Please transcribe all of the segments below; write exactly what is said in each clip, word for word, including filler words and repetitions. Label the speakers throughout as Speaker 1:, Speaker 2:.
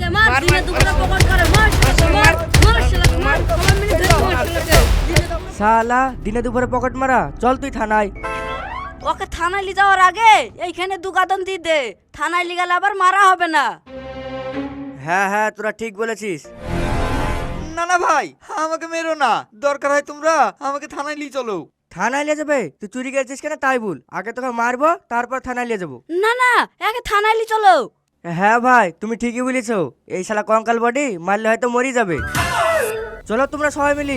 Speaker 1: শালা দিনে দুপুরে পকেট মারা, চল তুই থানায়।
Speaker 2: ওকে থানায় নিয়ে যাওয়ার আগে এইখানে দুগাদন দিয়ে দে, থানায় নিয়ে গেলে আবার মারা হবে না।
Speaker 1: হ্যাঁ হ্যাঁ তোরা ঠিক বলেছিস।
Speaker 3: না না ভাই, আমাকে মেরো না, দরকার হয় তোমরা আমাকে থানায় নিয়ে চলো।
Speaker 1: থানায় নিয়ে যাবে? তুই চুরি করেছিস কেন তাই বল, আগে তোকে মারবো তারপর থানায় নিয়ে যাবো।
Speaker 2: না না, একে থানায় নিয়ে চলো।
Speaker 1: হ্যাঁ ভাই তুমি ঠিকই বলেছো, এই শালা কঙ্কাল বডি মারলে হয়তো মরি যাবে। চলো তোমরা সবাই মিলি।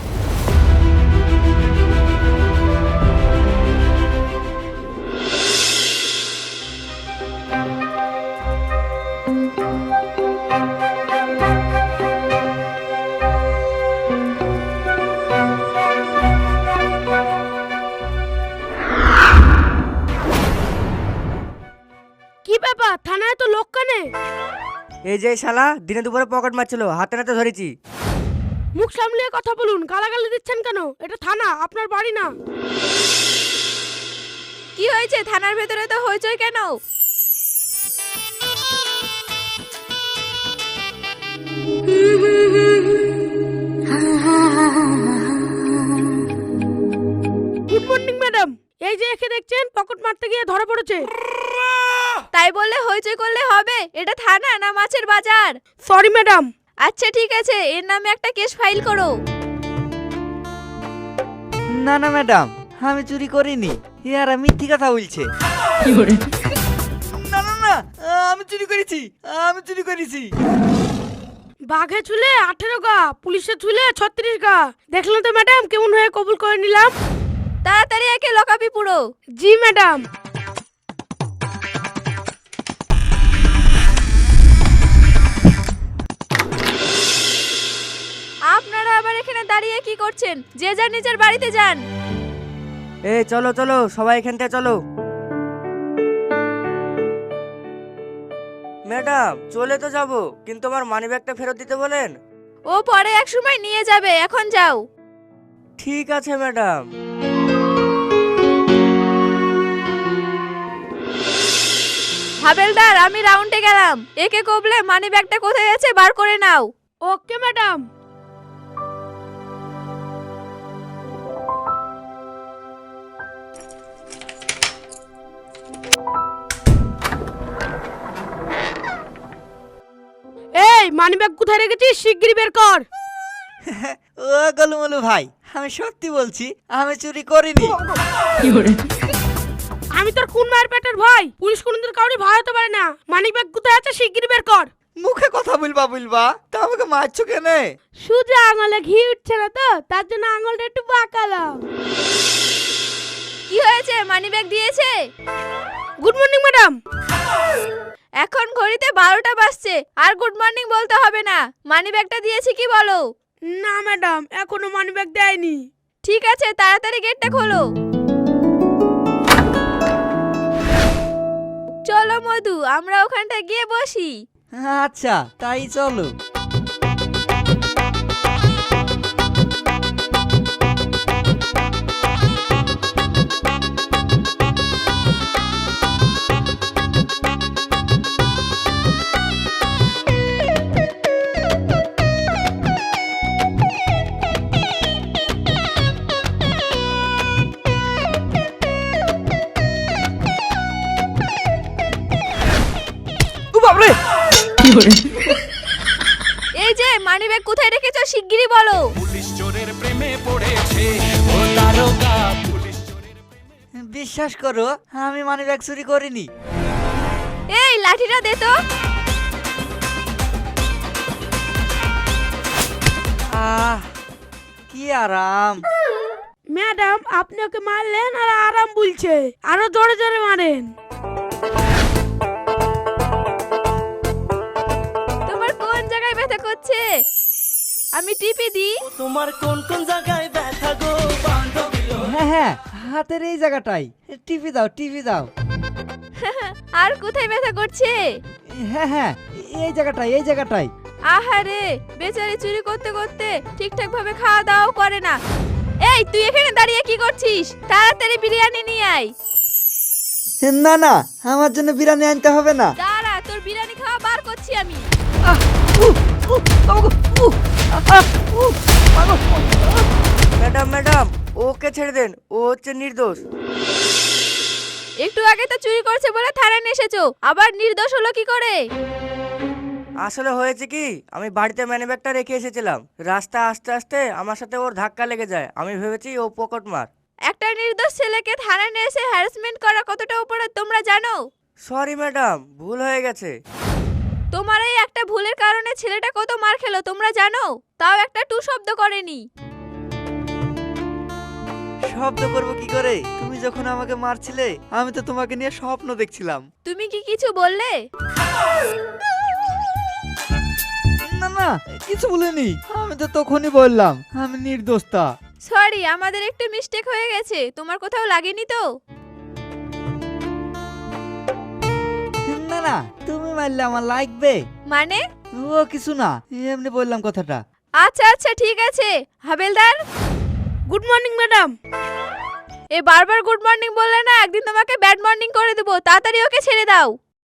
Speaker 4: কি ব্যাপার, থানায় তো লোক কানে?
Speaker 1: এই যে শালা দিনে দুপুরে পকেট মারছিল, হাতে নাতে ধরেছি।
Speaker 4: মুখ সামলিয়ে কথা বলুন, গালাগালি দিচ্ছেন কেন? এটা থানা, আপনার বাড়ি না।
Speaker 5: কি হয়েছে? থানার ভেতরে তো হইচই কেন?
Speaker 4: গুড মর্নিং ম্যাডাম, এই যে একে দেখছেন পকেট মারতে গিয়ে ধরা পড়েছে।
Speaker 5: তাই বললে হইচই করলে হবে? এটা থানা না মাছের বাজার?
Speaker 4: Sorry madam.
Speaker 5: আচ্ছা ঠিক আছে, এর নামে একটা কেস ফাইল করো।
Speaker 3: না না ম্যাডাম, আমি চুরি করিনি, ইয়ারা মিথ্যি কথা বলছে। না না না, আমি চুরি করেছি, আমি চুরি করেছি।
Speaker 4: বাঘে চুলে আঠেরো গা, পুলিশে চুলে ছত্রিশ গা। দেখলেন তো ম্যাডাম কেমন হয়ে কবুল করে নিলাম।
Speaker 5: তাড়াতাড়ি একে লকাপি পুরো।
Speaker 4: জি ম্যাডাম।
Speaker 5: আপনারা আবার এখানে দাঁড়িয়ে কি করছেন? যে যার নিজের বাড়িতে যান।
Speaker 1: এ চলো চলো সবাই এখান থেকে চলো। ম্যাডাম চলে তো যাবো, কিন্তু আমার মানি ব্যাগটা ফেরত দিতে বলেন।
Speaker 5: ও পরে এক সময় নিয়ে যাবে, এখন যাও।
Speaker 1: ঠিক আছে ম্যাডাম।
Speaker 5: হাবেলদার আমি রাউন্ডে গেলাম, একে কবলে মানি ব্যাগটা কোথায় আছে বার করে নাও।
Speaker 4: Okay madam. এই মানি ব্যাগ কোথায় রেখেছিস, শিগগিরই বের কর।
Speaker 3: ও গলুমলু ভাই, আমি সত্যি বলছি, আমি চুরি করিনি।
Speaker 4: আমি তোর কোন মায়ের পেটের ভাই? পুলিশ কোনদিন কাউরি ভয় হতে পারে না। মানি ব্যাগ কোথায় আছে শিগগিরই বের কর।
Speaker 3: মুখে কথা বলবা বলবা, তা আমাকে মারছো কেন?
Speaker 4: সোজা আঙুলে ঘি উঠছে না তো, তার জন্য আঙুলটা একটু বাঁকালাম।
Speaker 5: কি হয়েছে? মানি ব্যাগ দিয়েছে?
Speaker 4: Good morning madam.
Speaker 5: এখন ঘড়িতে বারোটা বাজছে, আর গুড মর্নিং বলতে হবে না। মানি ব্যাগটা দিয়েছি কি বলো?
Speaker 4: না ম্যাডাম, এখনো মানি ব্যাগ দেয়নি।
Speaker 5: ঠিক আছে, তাড়াতাড়ি গেটটা খোলো। চলো মধু, আমরা ওখানটা গিয়ে বসি।
Speaker 3: আচ্ছা তাই চলো।
Speaker 5: এই যে মানি ব্যাগ কোথায় রেখেছো শিগগিরই বলো।
Speaker 6: পুলিশ চোরের প্রেমে পড়েছে ও দারোগা, পুলিশ চোরের প্রেমে।
Speaker 3: বিশ্বাস করো, আমি মানি ব্যাগ চুরি করিনি।
Speaker 5: এই লাঠিটা দে তো।
Speaker 3: আহ কি আরাম।
Speaker 4: ম্যাডাম আপনি ওকে মারলেন আর আরাম বলছে, আরো জোরে জোরে মারেন।
Speaker 5: তোমার কোন জায়গায় ব্যথা করছে? আমি টিপে দিই।
Speaker 6: তোমার কোন কোন জায়গায় ব্যথা গো বান্ধবী?
Speaker 3: হ্যাঁ হ্যাঁ, হাতের এই জায়গাটাই। টিপি দাও টিপি দাও।
Speaker 5: আর কোথায় ব্যথা করছে?
Speaker 3: হ্যাঁ হ্যাঁ, এই জায়গাটাই এই জায়গাটাই।
Speaker 5: আহারে, বেচারি চুরি করতে করতে ঠিকঠাক ভাবে খাওয়া দাওয়াও করে না। এই তুই এখানে দাঁড়িয়ে কি করছিস? তাড়াতাড়ি বিরিয়ানি নিয়ে আয়।
Speaker 3: না না, আমার জন্য বিরিয়ানি আনতে হবে না।
Speaker 5: দাঁড়া, তোর বিরিয়ানি খাওয়া বার করছি আমি।
Speaker 1: ম্যাডাম ম্যাডাম ওকে ছেড়ে দেন, ও হচ্ছে নির্দোষ।
Speaker 5: একটু আগে তো চুরি করছে বলে থানায় নিয়ে এসেছো, আবার নির্দোষ হলো কি করে?
Speaker 1: আসলে হয়েছে কি, আমি বাড়িতে ম্যানিব্যাগটা রেখে এসেছিলাম, রাস্তা আস্তে আস্তে আমার সাথে ওর ধাক্কা লেগে যায়, আমি ভেবেছি ও পকেট মার।
Speaker 5: একটা নির্দোষ ছেলেকে থানায় নিয়ে এসে হ্যারাসমেন্ট করা কতটা উপরে তোমরা জানো?
Speaker 1: সরি ম্যাডাম, ভুল হয়ে গেছে।
Speaker 5: তোমার এই একটা ভুলের কারণে ছেলেটা কত মার খেলো তোমরা জানো? তাও একটা টু শব্দ করেনি।
Speaker 3: শব্দ করবো কি করে? তুমি যখন আমাকে মারছিলে আমি তো তোমাকে নিয়ে স্বপ্ন দেখছিলাম।
Speaker 5: তুমি কি কিছু বললে?
Speaker 3: না না, কিছু বলিনি, আমি তো তখনই বললাম আমি নির্দোষতা।
Speaker 5: সরি, আমাদের একটু মিস্টেক হয়ে গেছে। তোমার কোথাও লাগেনি তো?
Speaker 3: না না, তুমি মারলে আমার লাগবে
Speaker 5: মানে?
Speaker 3: ও কিছু না, এমনি বললাম কথাটা।
Speaker 5: আচ্ছা আচ্ছা ঠিক আছে। হাবেলদার,
Speaker 4: গুড মর্নিং ম্যাডাম।
Speaker 5: এ বারবার গুড মর্নিং বললে না, একদিন তোমাকে ব্যাড মর্নিং করে দেবো। তাড়াতাড়ি ওকে ছেড়ে দাও।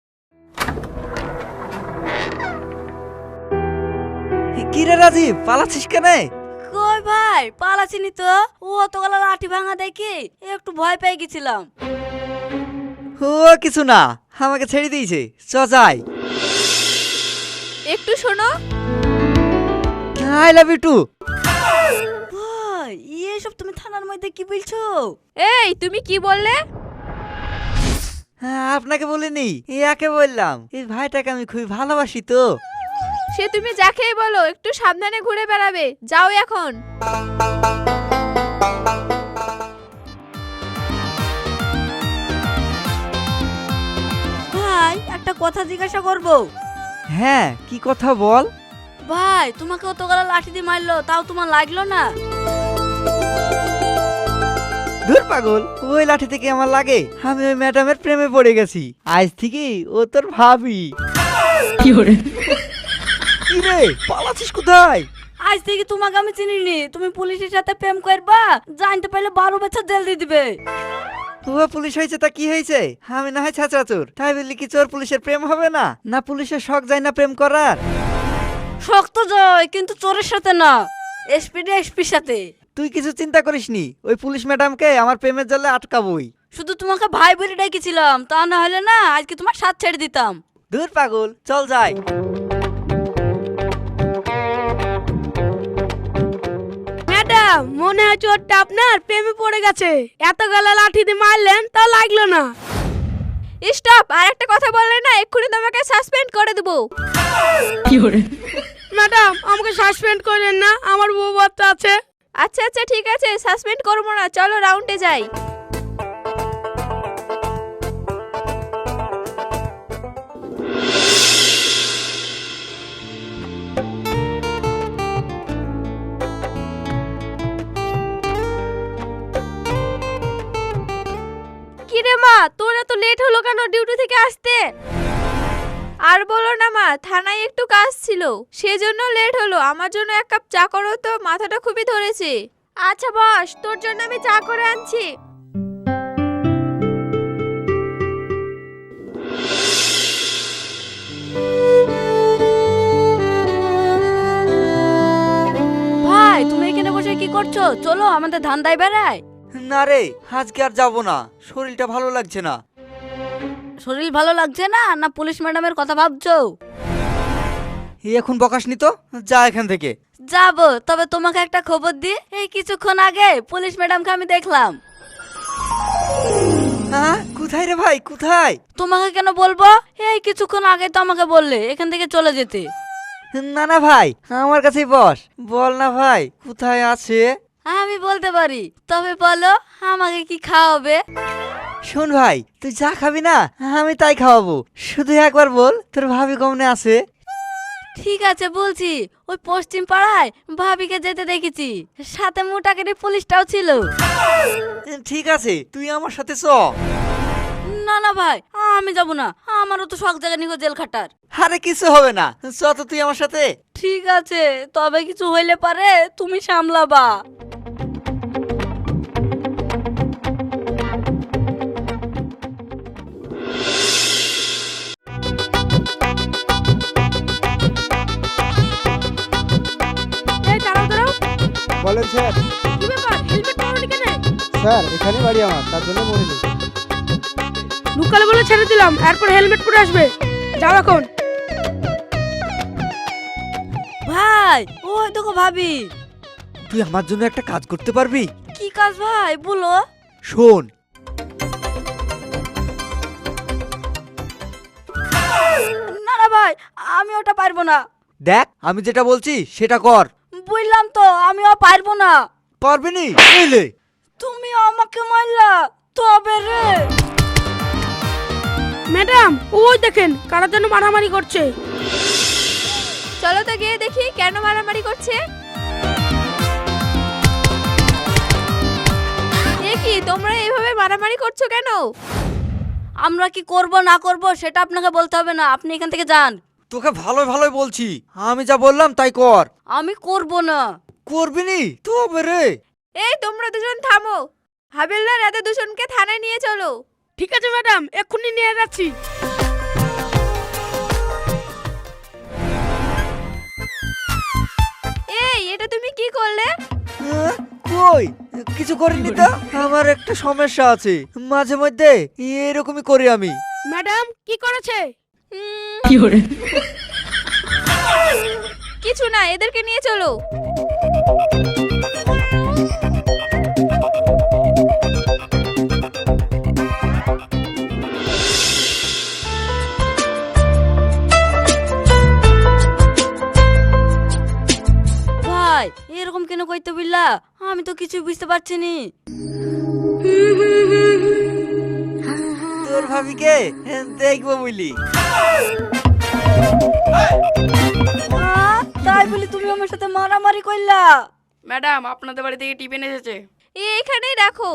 Speaker 3: কি রে রাজীব, পালাচ্ছিস কেন?
Speaker 2: কই ভাই, পালাছিনি তো। ও তো গলা লাঠি ভাঙা দেখি একটু ভয় পেয়ে গেছিলাম।
Speaker 3: ও কিছু না, আমাকে ছেড়ে দিয়েছে, চ যাই।
Speaker 5: একটু শোনো।
Speaker 3: I love you too.
Speaker 2: ভাই এসব তুমি থানার মধ্যে কি বলছো?
Speaker 5: এই তুমি কি বললে?
Speaker 3: হ্যাঁ, আপনাকে বলিনি, একে বললাম। এই ভাইটাকে আমি খুবই ভালোবাসি তো।
Speaker 5: সে তুমি যাকেই বলো, একটু সাবধানে ঘুরে বেড়াবে। যাও এখন।
Speaker 2: ভাই একটা কথা জিজ্ঞাসা করব।
Speaker 3: হ্যাঁ, কি কথা বল।
Speaker 2: ভাই তোমাকে অত গলা লাঠি দিয়ে মারলো, তাও তোমার লাগলো না?
Speaker 3: ধুর পাগল, ওই লাঠি থেকে আমার লাগে? আমি ওই ম্যাডামের প্রেমে পড়ে গেছি। আজ থেকে ও তোর ভাবি। কি রে, পালাচ্ছিস কোথায়?
Speaker 2: আজ থেকে তোমাকে আমি চিনিনি। তুমি পুলিশের সাথে প্রেম করবা, জানতে পারলে বারো বছর জেল দিয়ে দিবে।
Speaker 3: ও পুলিশ হয়েছে তা কি হয়েছে? আমি না হয় ছাত্রা চোর, তাই বললি কি চোর পুলিশের প্রেম হবে না? না পুলিশের শখ যায় না প্রেম করার?
Speaker 2: শক্ত জয়, কিন্তু চোরের সাথে না, এসপি এসপির সাথে।
Speaker 3: তুই কিছু চিন্তা করিসনি, ওই পুলিশ ম্যাডামকে আমার প্রেমের জালে আটকাবই।
Speaker 2: শুধু তোমাকে ভাই বলে ডেকেছিলাম, তা না হলে না আজকে তোমার সাথ ছেড়ে দিতাম।
Speaker 3: ধুর পাগল, চল যাই।
Speaker 4: ম্যাডাম মনে হয় চোরটা আপনার প্রেমে পড়ে গেছে, এত গলা লাঠি দিয়ে মারলেন তা লাগলো না।
Speaker 5: স্টপ, আর একটা কথা বললে না এক্ষুনি তোমাকে সাসপেন্ড করে দেবো।
Speaker 4: ম্যাডাম আমাকে সাসপেন্ড করেন না, আমার বউ বাচ্চা আছে।
Speaker 5: আচ্ছা আচ্ছা ঠিক আছে, সাসপেন্ড করবো না। চলো রাউন্ডে যাই। কিরে মা, তোর এত লেট হলো কেন ডিউটি থেকে আসতে? আর বলো না মা, থানায় একটু কাজ ছিল, সেজন্য লেট হলো। আমার জন্য এক কাপ চা করো তো, মাথাটা খুবই ধরেছে। আচ্ছা বস, তোর জন্য আমি চা করে আনছি।
Speaker 2: ভাই তুমি এখানে বসে কি করছো? চলো আমাদের ধান্দায় বেড়াই।
Speaker 3: না রে, আজকে আর যাবো না, শরীরটা ভালো লাগছে না।
Speaker 2: শরীর ভালো লাগছে না, না পুলিশ ম্যাডামের কথা ভাবছো?
Speaker 3: এই এখন বকাসনি তো, যা এখান থেকে।
Speaker 2: যাবো, তবে তোমাকে একটা খবর দি। এই কিছুক্ষণ আগে পুলিশ ম্যাডামকে আমি দেখলাম।
Speaker 3: হ্যাঁ, কোথায় রে ভাই, কোথায়?
Speaker 2: তোমাকে কেন বলবো? এই কিছুক্ষণ আগে তো আমাকে বললে এখান থেকে চলে যেতে।
Speaker 3: না না ভাই, আমার কাছেই বস, বল না ভাই কোথায় আছে।
Speaker 2: আমি বলতে পারি, তবে বলো আমাকে কি খাওয়াবে?
Speaker 3: শোন ভাই, তুই যা খাবি না আমি তাই খাওয়াবো, শুধু একবার বল তোর ভাবি কমনে আছে।
Speaker 2: ঠিক আছে বলছি, ওই পশ্চিম পাড়ায় ভাবিকে যেতে দেখেছি, সাথে মোটাকেরি পুলিশটাও ছিল।
Speaker 3: ঠিক আছে, তুই আমার সাথে চ।
Speaker 2: না না ভাই, আমি যাব না, আমারও তো শখ জায়গা নিকো জেল খাটার।
Speaker 3: আরে কিছু হবে না, চ তো তুই আমার সাথে।
Speaker 2: ঠিক আছে, তবে কিছু হইলে পারে তুমি সামলাবা।
Speaker 7: বলেন স্যার।
Speaker 4: কি ব্যাপার হেলমেট পরনি কেন?
Speaker 7: স্যার এখানে বাড়ি আমার, তার জন্য মরিনি।
Speaker 4: লুকালে বলে ছেড়ে দিলাম, এরপর হেলমেট পরে আসবে। যাও এখন।
Speaker 2: ভাই ওই দেখো ভাবি।
Speaker 3: তুই আমার জন্য একটা কাজ করতে পারবি?
Speaker 2: কি কাজ ভাই বলো?
Speaker 3: শোন,
Speaker 2: না না ভাই, আমি ওটা পারবো না।
Speaker 3: দেখ আমি যেটা বলছি সেটা কর।
Speaker 2: বুঝলাম তো, আমিও পারবো না।
Speaker 3: পারবি নি? এলে
Speaker 2: তুমি আমাকে মারলা তবে রে।
Speaker 4: ম্যাডাম ওই দেখেন কারা যেন মারামারি করছে।
Speaker 5: চলো তো গিয়ে দেখি কেন মারামারি করছে। এ কি তোমরা এইভাবে মারামারি করছো কেন?
Speaker 2: আমরা কি করব না করব সেটা আপনাকে বলতে হবে না, আপনি এখান থেকে যান।
Speaker 3: তোকে ভালো ভালোই বলছি, আমি যা বললাম তাই কর।
Speaker 2: আমি করব না।
Speaker 3: করবি নি? তবে রে।
Speaker 5: এই তোমরা দুজন থামো। হাবিলদার এত দুজনকে থানায় নিয়ে চলো।
Speaker 4: ঠিক আছে ম্যাডাম, এক্ষুনি নিয়ে যাচ্ছি।
Speaker 5: এই এটা তুমি কি করলে?
Speaker 3: হ্যাঁ? কই কিছু করিনি তো। আমার একটা সমস্যা আছে, মাঝে মধ্যে এরকমই করি আমি।
Speaker 4: ম্যাডাম কি করেছে?
Speaker 5: উম, কিছু না, এদেরকে নিয়ে চলো।
Speaker 2: ভাই এরকম কেন কইতে বললা? আমি তো কিছু বুঝতে পারছি নি।
Speaker 3: তোর ভাবিকে দেখবো বুঝলি।
Speaker 2: আহ, তাই বলি তুমি আমার সাথে মারামারি কইলা?
Speaker 8: ম্যাডাম আপনাদের বাড়ি থেকে টিফিন এসেছে।
Speaker 5: এই এখানেই রাখো।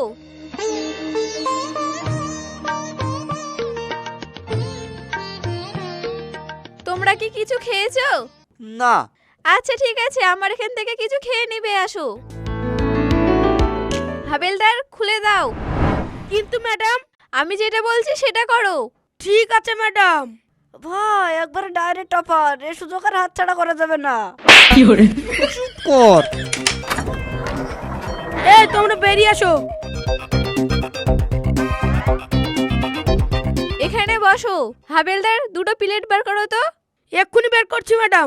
Speaker 5: তোমরা কি কিছু খেয়েছো?
Speaker 3: না।
Speaker 5: আচ্ছা ঠিক আছে, আমার এখান থেকে কিছু খেয়ে নিবে আসো। হাবেলদার খুলে দাও।
Speaker 4: কিন্তু ম্যাডাম
Speaker 5: আমি যেটা বলছি সেটা করো।
Speaker 4: ঠিক আছে ম্যাডাম।
Speaker 2: ভাই একবার ডাইরেক্ট অফার, এ সুযোগ আর হাতছাড়া করা যাবে না।
Speaker 3: চুপ কর।
Speaker 4: এই তোমরা বেরিয়ে আসো।
Speaker 5: এখানে বসো। হাবেলদার দুটো প্লেট বার করো তো।
Speaker 4: এক্ষুনি বের করছি ম্যাডাম।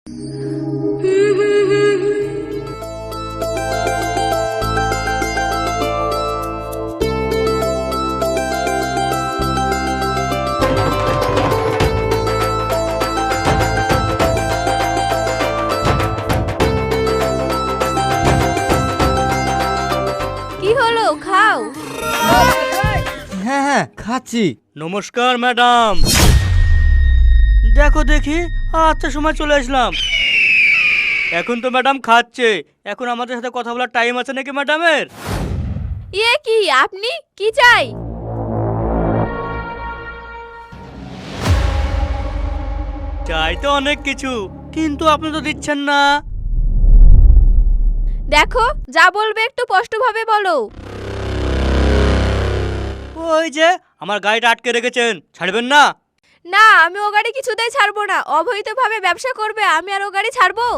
Speaker 5: কি হলো, খাও।
Speaker 3: হ্যাঁ হ্যাঁ খাচ্ছি।
Speaker 1: নমস্কার ম্যাডাম। দেখো দেখি, আচ্ছা সময় চলে আসলাম। এখন তো ম্যাডাম খাচ্ছে, এখন আমাদের সাথে কথা বলার টাইম আছে নাকি ম্যাডামের?
Speaker 5: ইয়ে কি, আপনি কি চাই?
Speaker 1: চাই তো অনেক কিছু, কিন্তু আপনি তো দিচ্ছেন না।
Speaker 5: দেখো যা বলবে একটু স্পষ্টভাবে বলো।
Speaker 1: ওই যে আমার গাড়িটা আটকে রেখেছেন, ছাড়বেন না?
Speaker 5: না, আমি ও গাড়ি কিছুতেই ছাড়বো না। অবৈধভাবে ব্যবসা করবে, আমি আর ও গাড়ি ছাড়বো?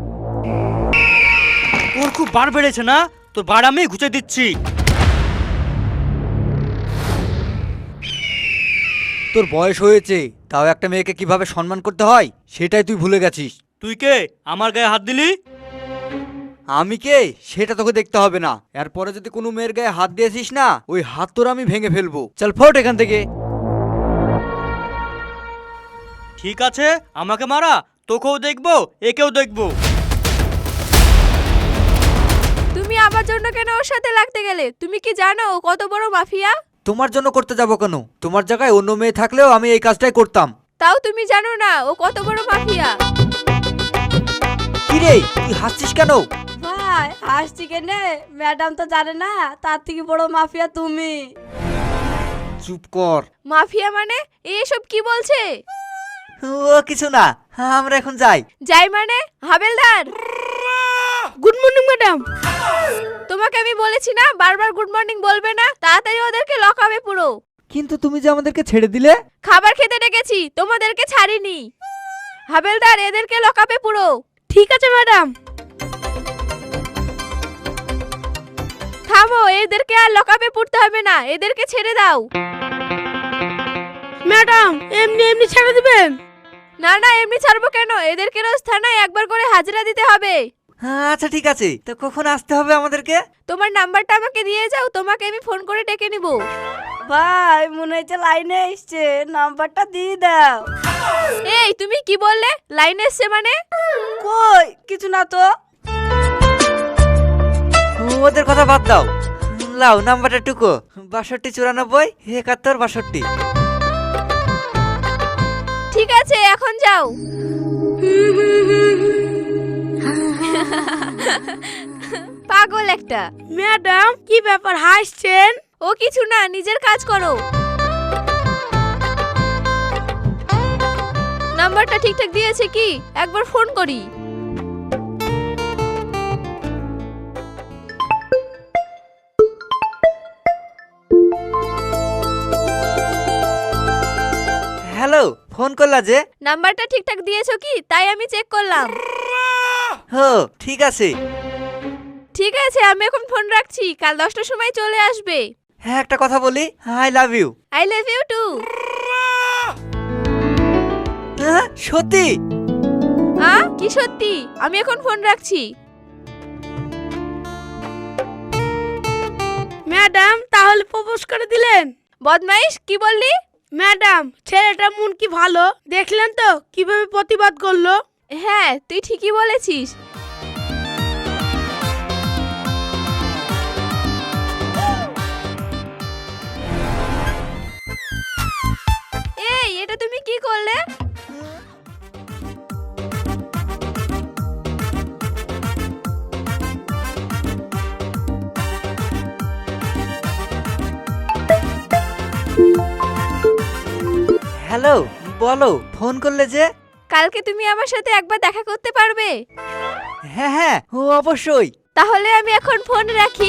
Speaker 1: ওর খুব বার বেড়েছে না, তোর বার আমি ঘুচে দিচ্ছি।
Speaker 3: তোর বয়স হয়েছে, তাও একটা মেয়েকে কিভাবে সম্মান করতে হয় সেটাই তুই ভুলে গেছিস।
Speaker 1: তুই কে আমার গায়ে হাত দিলি?
Speaker 3: আমি কে সেটা তোকে দেখতে হবে না। এরপরে যদি কোনো মেয়ের গায়ে হাত দিয়েছিস না, ওই হাত তোর আমি ভেঙে ফেলবো। চল ফোট এখান থেকে।
Speaker 1: ঠিক আছে, আমাকে মারা, তোকেও দেখবো একেও দেখবো।
Speaker 5: তুমি আমার জন্য কেন ওর সাথে লাগতে গেলে? তুমি কি জানো ও কত বড় মাফিয়া?
Speaker 3: তোমার জন্য করতে যাবো কেন? তোমার জায়গায় অন্য মেয়ে থাকলেও আমি এই কাজটাই করতাম।
Speaker 5: তাও তুমি জানো না ও কত বড় মাফিয়া?
Speaker 3: কি রে তুই হাসছিস কেন?
Speaker 2: ভাই হাসছি কেনে? ম্যাডাম তো জানে না তার থেকে বড় মাফিয়া তুমি।
Speaker 3: চুপ কর।
Speaker 5: মাফিয়া মানে? এসব কি বলছে?
Speaker 3: ও কিছু না, আমরা এখন যাই।
Speaker 5: যাই মানে? হাবেলদার
Speaker 4: গুড মর্নিং ম্যাডাম।
Speaker 5: তোমাকে আমি বলেছি না বারবার গুড মর্নিং বলবে না। তাড়াতাড়ি ওদেরকে লকাবে পুরো।
Speaker 3: কিন্তু তুমি যে আমাদেরকে ছেড়ে দিলে।
Speaker 5: খাবার খেতে ডেকেছি, তোমাদেরকে ছাড়িনি। হাবেলদার এদেরকে লকাবে পুরো।
Speaker 4: ঠিক আছে ম্যাডাম।
Speaker 5: থামো, এদেরকে আর লকআপে পড়তে হবে না, এদেরকে ছেড়ে দাও।
Speaker 4: ম্যাডাম এমনি এমনি ছেড়ে দিবেন?
Speaker 5: না না, এমনি ছাড়বো কেন, এদেরকে রোজ থানায় একবার করে হাজিরা দিতে হবে।
Speaker 3: আচ্ছা ঠিক আছে, তো কখন আসতে হবে আমাদেরকে?
Speaker 5: তোমার নাম্বারটা আমাকে দিয়ে যাও, তোমাকে আমি ফোন করে ডেকে নিব।
Speaker 2: ভাই মনে হচ্ছে লাইনে এসছে, নাম্বারটা দিয়ে দাও।
Speaker 5: এই তুমি কি বললে? লাইন এসছে মানে?
Speaker 2: কই কিছু না তো।
Speaker 3: ওদের কথা বাদ দাও, লাও নাম্বারটা টুকো, বাষট্টি চুরানব্বই একাত্তর বাষট্টি।
Speaker 5: ঠিক আছে, এখন যাও। পাগল একটা।
Speaker 4: ম্যাডাম কি ব্যাপার হাসছেন?
Speaker 5: ও কিছু না, নিজের কাজ করো। নাম্বারটা ঠিকঠাক দিয়েছে কি? একবার ফোন করি।
Speaker 3: হ্যালো, ফোন করলা যে?
Speaker 5: নাম্বারটা ঠিকঠাক দিয়েছো কি, তাই আমি চেক করলাম।
Speaker 3: হো ঠিক আছে।
Speaker 5: ঠিক আছে, আমি এখন ফোন রাখছি, কাল দশটার সময় চলে আসবে।
Speaker 3: হ্যাঁ একটা কথা বলি, I love you.
Speaker 5: I love you too.
Speaker 3: হ্যাঁ সত্যি?
Speaker 5: আ কি সত্যি? আমি এখন ফোন রাখছি।
Speaker 4: ম্যাডাম তাহলে প্রপোজ করে দিলেন?
Speaker 5: বদমাইশ, কি বললি?
Speaker 4: ম্যাডাম ছেলেটা মন কি ভালো, দেখলেন তো কিভাবে প্রতিবাদ করলো।
Speaker 5: হ্যাঁ তুই ঠিকই বলেছিস। এই এটা তুমি কি করলে?
Speaker 3: হ্যালো বলো, ফোন করলে যে?
Speaker 5: কালকে তুমি আমার সাথে একবার দেখা করতে পারবে?
Speaker 3: হ্যাঁ হ্যাঁ ও অবশ্যই।
Speaker 5: তাহলে আমি এখন ফোন রাখি।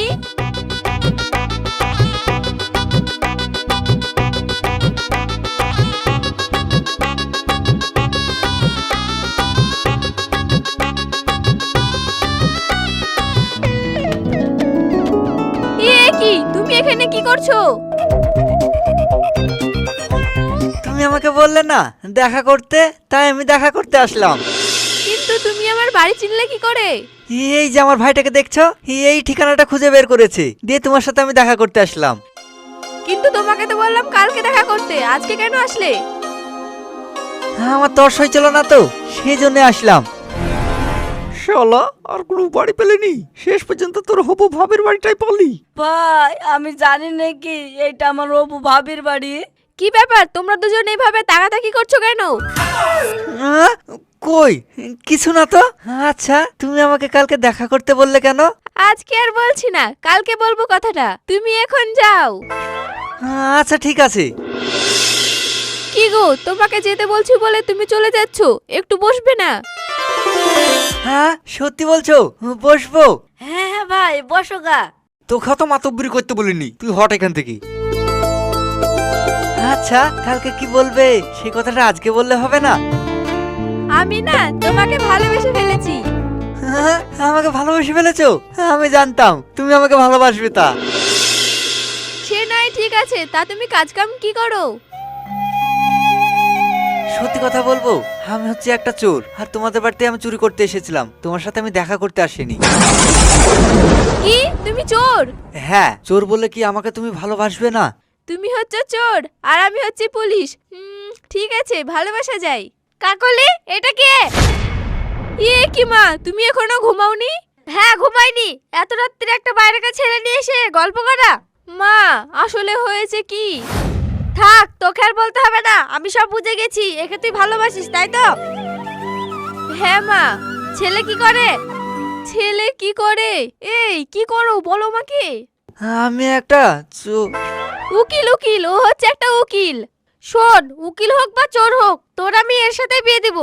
Speaker 5: এ কি, তুমি এখানে কি করছো?
Speaker 3: তুমি আমাকে বললে না দেখা করতে, তাই আমি দেখা করতে আসলাম।
Speaker 5: কিন্তু তুমি আমার বাড়ি চিনলে কি করে?
Speaker 3: এই যে আমার ভাইটাকে দেখছো, এই ঠিকানাটা খুঁজে বের করেছে, দিয়ে তোমার সাথে আমি দেখা করতে আসলাম।
Speaker 5: কিন্তু তোমাকে তো বললাম কালকে দেখা করতে, আজকে কেন আসলে?
Speaker 3: আমার তর সই ছিল না তো, সেই জন্য আসলাম। শালা আর কোনো বাড়ি পেলেনি, শেষ পর্যন্ত তোর হবু ভাবের বাড়িটাই পালি।
Speaker 2: ভাই আমি জানি নাকি এইটা আমার অপু ভাবির বাড়ি।
Speaker 5: কি ব্যাপার, তোমরা দুজন এইভাবে তাকাতাকি করছো কেন?
Speaker 3: আহ, কই কিছু না তো। আচ্ছা তুমি আমাকে কালকে দেখা করতে বললে কেন?
Speaker 5: আজকে আর বলছি না, কালকে বলবো কথাটা, তুমি এখন যাও।
Speaker 3: আচ্ছা ঠিক আছে।
Speaker 5: কি গো, তোমাকে যেতে বলছি বলে তুমি চলে যাচ্ছ, একটু বসবে না?
Speaker 3: হ্যাঁ সত্যি বলছো, বসবো।
Speaker 2: হ্যাঁ হ্যাঁ ভাই বসো গা।
Speaker 3: তোকে তো মাতব্বরি করতে বলিনি, তুই হট এখান থেকে। আচ্ছা কালকে কি বলবে সেই কথাটা আজকে বললে হবে না?
Speaker 5: আমি না তোমাকে ভালোবেসে ফেলেছি।
Speaker 3: হ্যাঁ, আমাকে ভালোবেসে ফেলেছো? আমি জানতাম তুমি আমাকে ভালোবাসবে। তা
Speaker 5: সে নয় ঠিক আছে, তা তুমি কাজ কাম কি করো?
Speaker 3: সত্যি কথা বলবো, আমি হচ্ছে একটা চোর, আর তোমাদের বাড়িতে আমি চুরি করতে এসেছিলাম, তোমার সাথে আমি দেখা করতে আসিনি।
Speaker 5: কি তুমি চোর?
Speaker 3: হ্যাঁ চোর বলে কি আমাকে তুমি ভালোবাসবে না?
Speaker 5: তুমি হচ্ছে চোর আর আমি হচ্ছে পুলিশ। হুম, ঠিক আছে, ভালোবাসা যায়। কাকলি এটা কে? ইয়ে কি মা, তুমি এখনো ঘুমাওনি? হ্যাঁ ঘুমাইনি, এত রাত্রে একটা বাইরেকার ছেলে নিয়ে এসে গল্প করা। মা আসলে হয়েছে কি? থাক, তোকে আর বলতে হবে না, আমি সব বুঝে গেছি, একে তুই ভালোবাসিস তাই তো? হ্যাঁ মা। ছেলে কি করে? ছেলে কি করে? এই কি করো বলো মাকে।
Speaker 3: আমি একটা চোর।
Speaker 5: উকিল উকিল, ও হচ্ছে একটা উকিল। শোন, উকিল হোক বা চোর হোক, তোর আমি এর সাথে বিয়ে দিব।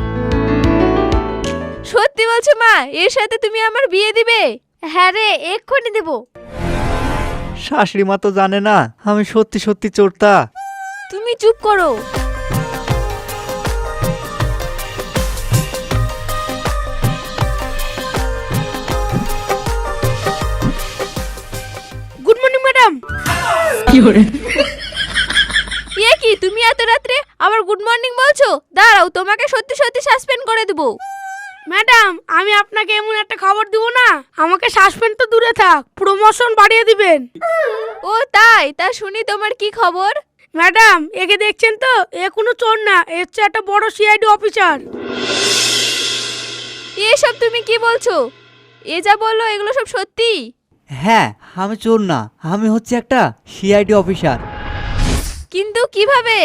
Speaker 5: সত্যি বলছো মা, এর সাথে তুমি আমার বিয়ে দিবে? হ্যাঁ রে, এক্ষুনি দেব।
Speaker 3: শাশুড়ি মা তো জানে না আমি সত্যি সত্যি চোরটা।
Speaker 5: তুমি চুপ করো। এ কি তুমি এত রাত্রে আবার গুড মর্নিং বলছো? দাঁড়াও, তোমাকে সত্যি সত্যি সাসপেন্ড করে দেবো।
Speaker 4: ম্যাডাম আমি আপনাকে এমন একটা খবর দিব না, আমাকে সাসপেন্ড তো দূরে থাক, প্রমোশন বাড়িয়ে দিবেন।
Speaker 5: ও তাই? তা শুনি তোমার কি খবর?
Speaker 4: ম্যাডাম একে দেখছেন তো, এ কোনো চোর না, এ হচ্ছে একটা বড় সিআইডি অফিসার।
Speaker 5: এসব তুমি কি বলছো? এ যা বললো এগুলো সব সত্যি?
Speaker 3: হ্যাঁ, আমি চোর না, আমি হচ্ছে একটা সিআইডি অফিসার।
Speaker 5: কিন্তু কিভাবে?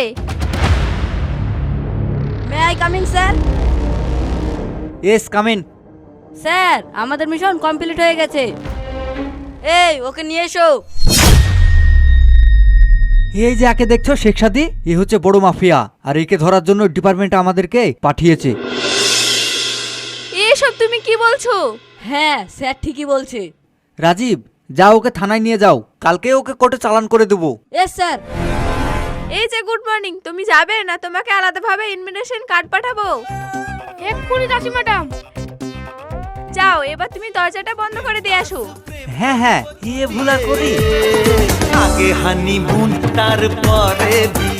Speaker 2: May I coming sir?
Speaker 3: Yes coming.
Speaker 2: Sir আমাদের মিশন কমপ্লিট হয়ে গেছে। এই ওকে নিয়ে এসো।
Speaker 3: এই যে একে দেখছো শেখ সাদি, এ হচ্ছে বড় মাফিয়া, আর একে ধরার জন্য ডিপার্টমেন্ট আমাদেরকে পাঠিয়েছে।
Speaker 5: এসব তুমি কি বলছো?
Speaker 2: হ্যাঁ স্যার ঠিকই বলছে।
Speaker 3: রাজীব, যাও ওকে থানায় নিয়ে যাও, কালকে ওকে কোর্টে চালান করে দেবো।
Speaker 2: Yes sir.
Speaker 5: এই যে গুড মর্নিং, তুমি যাবে না? তোমাকে আলাদাভাবে ইনভিটেশন কার্ড পাঠাবো।
Speaker 4: এক্ষুনি যাচ্ছি ম্যাডাম।
Speaker 5: যাও, এবার তুমি দরজাটা বন্ধ করে দিয়ে আসো।
Speaker 3: হ্যাঁ হ্যাঁ, এ ভুলা করি।
Speaker 6: আগে হানিমুন তারপরে